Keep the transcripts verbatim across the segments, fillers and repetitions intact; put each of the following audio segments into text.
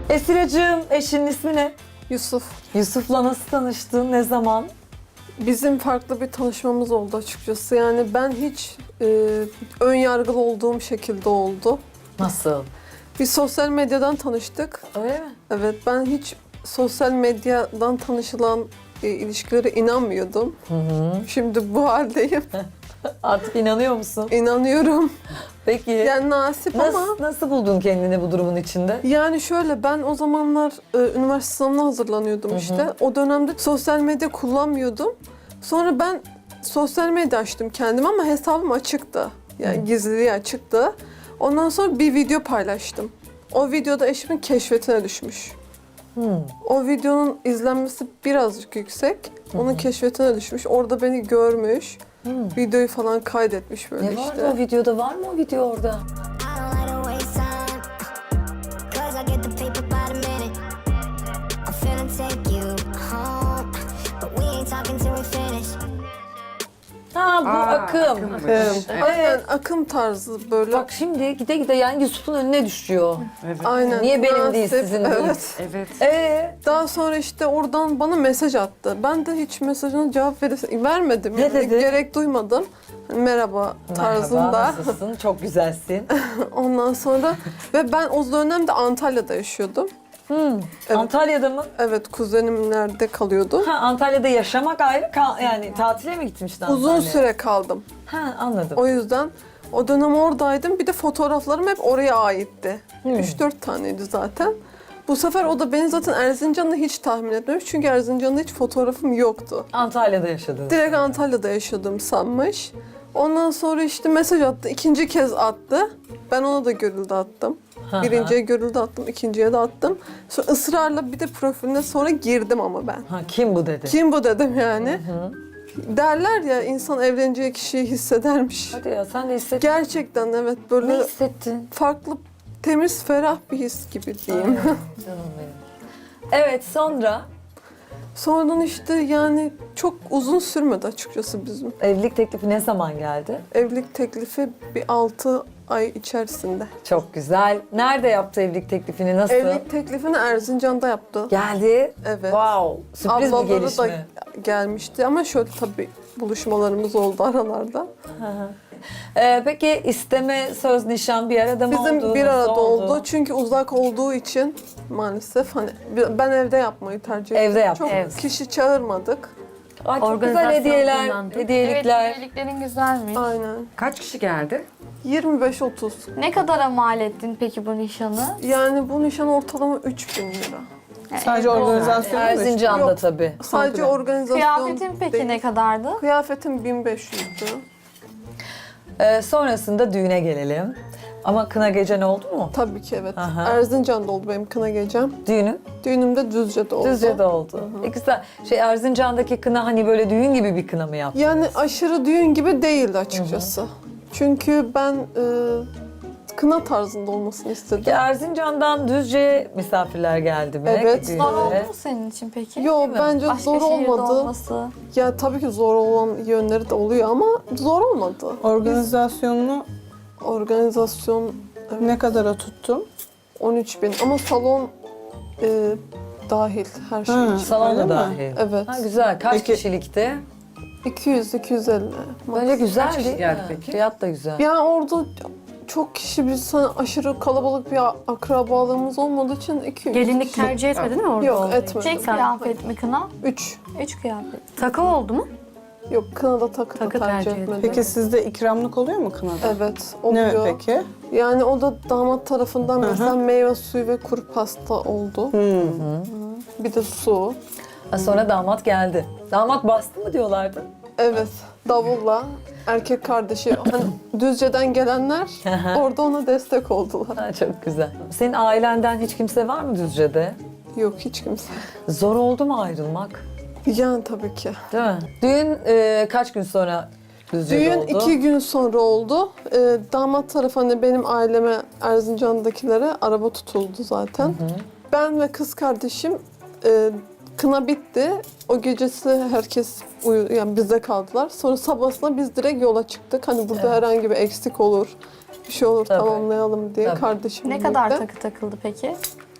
Esiracığım, eşinin ismi ne? Yusuf. Yusuf'la nasıl tanıştın, ne zaman? Bizim farklı bir tanışmamız oldu açıkçası. Yani ben hiç e, ön yargılı olduğum şekilde oldu. Nasıl? Biz sosyal medyadan tanıştık. Öyle mi? Evet, ben hiç sosyal medyadan tanışılan e, ilişkilere inanmıyordum. Hı hı. Şimdi bu haldeyim. Artık inanıyor musun? İnanıyorum. Peki. Yani nasip nasıl, ama... nasıl buldun kendini bu durumun içinde? Yani şöyle, ben o zamanlar e, üniversite sınavına hazırlanıyordum Hı hı. işte. O dönemde sosyal medya kullanmıyordum. Sonra ben sosyal medya açtım kendim ama hesabım açıktı. Yani Hı. gizliliği açıktı. Ondan sonra bir video paylaştım. O videoda eşimin keşfetine düşmüş. Hı. O videonun izlenmesi birazcık yüksek. Onun keşfetine düşmüş. Orada beni görmüş. Hı. Videoyu falan kaydetmiş böyle Ne işte. vardı o videoda? Var mı o video orada? I don't like to waste time, 'cause I get the paper by the minute. I'm finna take you home, but we ain't talking till we finish. Ha bu Aa, akım. akımmış. Evet. Evet. Aynen akım tarzı böyle. Bak şimdi gide gide yani Yusuf'un önüne düşüyor. Evet. Aynen. Niye benim değil, Nasip, sizin değil? Evet. Evet. Ee, Daha sonra işte oradan bana mesaj attı. Ben de hiç mesajına cevap vere- vermedim. Ne Yani dedi? gerek duymadım. Hani merhaba tarzında. merhaba, nasılsın? Çok güzelsin. Ondan sonra ve ben o dönemde Antalya'da yaşıyordum. Hmm. Evet. Antalya'da mı? Evet, kuzenimlerde kalıyordum. Ha, Antalya'da yaşamak ayrı, kal- yani tatile mi gitmiştin Uzun Antalya'ya? süre kaldım. Ha, anladım. O yüzden o dönem oradaydım. Bir de fotoğraflarım hep oraya aitti. Hmm. üç dört taneydi zaten. Bu sefer o da beni zaten Erzincan'da hiç tahmin etmemiş. Çünkü Erzincan'da hiç fotoğrafım yoktu. Antalya'da yaşadın. Direkt Antalya'da yaşadığımı sanmış. Ondan sonra işte mesaj attı. İkinci kez attı. Ben ona da görüldü attım. Hı hı. Birinciye görüldü attım, ikinciye de attım. Sonra ısrarla bir de profiline sonra girdim ama ben. Ha, kim bu dedi? Kim bu dedim yani. Hı. Derler ya, insan evleneceği kişiyi hissedermiş. Hadi ya, sen de hissettin. Gerçekten evet, Ne böyle hissettin? farklı, temiz, ferah bir his gibi diyeyim. Ay, canım benim. Evet, sonra Sonradan işte yani çok uzun sürmedi açıkçası bizim. evlilik teklifi ne zaman geldi? Evlilik teklifi bir altı ay içerisinde. Çok güzel. Nerede yaptı evlilik teklifini? Nasıl? Evlilik teklifini Erzincan'da yaptı. Geldi. Evet. Wow. Sürpriz bir Ablaları gelişme. da gelmişti ama şöyle tabii buluşmalarımız oldu aralarda. Ee, peki isteme, söz, nişan bir arada mı oldu? Bizim bir Nasıl arada oldu. Çünkü uzak olduğu için maalesef hani ben evde yapmayı tercih ettim. Evde yaptın. Çok Evet. kişi çağırmadık. Ay, çok güzel Organizasyon hediyeler, kullandık. hediyelikler. Evet, hediyeliklerin güzelmiş. Aynen. Kaç kişi geldi? yirmi beş otuz. Ne kadara mal ettin peki bu nişanı? Yani bu nişan ortalama üç bin lira. Yani Sadece evde organizasyon olmadı. mu? Erzincan'da Yok. tabii. Sadece Komple. organizasyon Kıyafetin peki değil. ne kadardı? Kıyafetim bin beş yüzdü. Ee, sonrasında düğüne gelelim. Ama kına gecen oldu mu? Tabii ki evet. Aha. Erzincan'da oldu benim kına gecem. Düğünün Düğünüm de Düzce'de oldu. Düzce'de oldu. E güzel. Şey, Erzincan'daki kına hani böyle düğün gibi bir kına mı yaptın? Yani aşırı düğün gibi değildi açıkçası. Çünkü ben e, kına tarzında olmasını istedim. Peki Erzincan'dan Düzce'ye misafirler geldi mi? Evet. Düğünlere? Zor oldu mu senin için peki? Yo, mi? bence Başka zor şehirde olmadı. olması. Ya tabii ki zor olan yönleri de oluyor ama zor olmadı. Organizasyonunu Organizasyon evet, ne kadara tuttun? on üç bin ama salon e, dahil her şey Ha. için. Salon Öyle da mi? dahil. Evet. Ha, güzel. Kaç Peki- kişilikti? iki yüz iki yüz elli. Bence güzel Kaç kişi değil geldi mi? peki? Fiyat da güzel. Yani orada çok kişi, biz hani aşırı kalabalık bir akrabalığımız olmadığı için iki yüz. Gelinlik tercih etmedin mi orada? Yok, olduğu etmedim. için? Tek kıyafet mi kına? üç. Üç kıyafet. Takı oldu mu? Yok, kınada takı, da Takı tercih, tercih etmedim. etmedim. Peki sizde ikramlık oluyor mu kınada? Evet, Ne oluyor. peki? Yani o da damat tarafından Hı hı. mesela meyve suyu ve kuru pasta oldu. Hmm. Bir de su. Ha, sonra damat geldi. Damat bastı mı diyorlardı? Evet, davulla erkek kardeşi, hani Düzce'den gelenler orada ona destek oldular. Ha, çok güzel. Senin ailenden hiç kimse var mı Düzce'de? Yok, hiç kimse. Zor oldu mu ayrılmak? Yani tabii ki. Değil mi? Düğün e, kaç gün sonra Düzce'de Düğün oldu? iki gün sonra oldu. Ee, damat tarafı hani benim aileme, Erzincan'dakilere araba tutuldu zaten. Ben ve kız kardeşim, e, kına bitti. O gecesi herkes uyu, yani bizde kaldılar. Sonra sabahına biz direkt yola çıktık. Hani burada Evet. herhangi bir eksik olur, bir şey olur Tabii. tamamlayalım diye Tabii. kardeşimle Ne kadar birlikte. takı takıldı peki?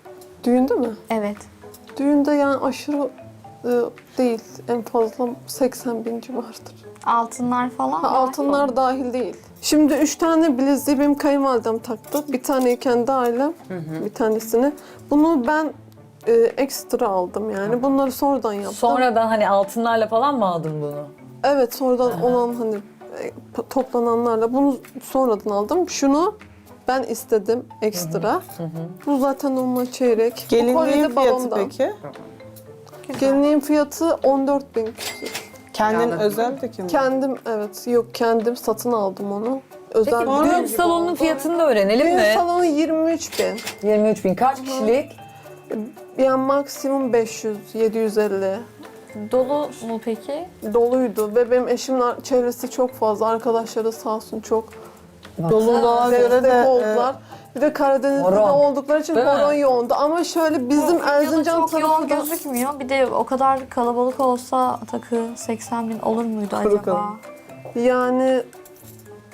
Düğünde mi? Evet. Düğünde yani aşırı e, değil. En fazla seksen bin civarıdır. Altınlar falan Ha, var. altınlar dahil değil. Şimdi üç tane bileziği benim kayınvalidem taktı. Bir taneyi kendi ailem, bir tanesini. Bunu ben e, ekstra aldım yani. Bunları sonradan yaptım. Sonradan hani altınlarla falan mı aldın bunu? Evet, sonradan olan hani e, p- toplananlarla bunu sonradan aldım. Şunu ben istedim ekstra. Bu zaten onunla çeyrek. Bu kolye Gelinliğin de fiyatı balondan. peki? Gelinliğin fiyatı on dört bin. Kendin özel dikimi. Kendim evet yok kendim satın aldım onu. Özel Peki bir düğün salonunun fiyatını da öğrenelim Düğün mi? salonu yirmi üç bin. yirmi üç bin. Kaç kişilik? Yani maksimum beş yüz yedi yüz elli. Dolu mu peki? Doluydu ve benim eşimin ar- çevresi çok fazla. Arkadaşları sağ olsun çok Doluluğa göre destek de e, oldular. Bir de Karadeniz'de Horon. de oldukları için Değil mi? horon yoğundu. Ama şöyle bizim Videoda Erzincan çok yoğun tarafı da... gözükmüyor. Bir de o kadar kalabalık olsa takı seksen bin olur muydu Kuru acaba? kalın. Yani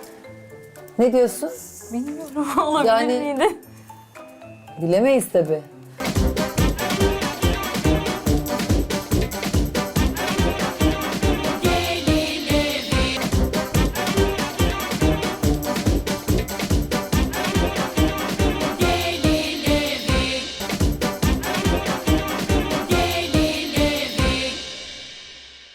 Ne diyorsun? Bilmiyorum olabilir Yani- miydi? Bilemeyiz tabii.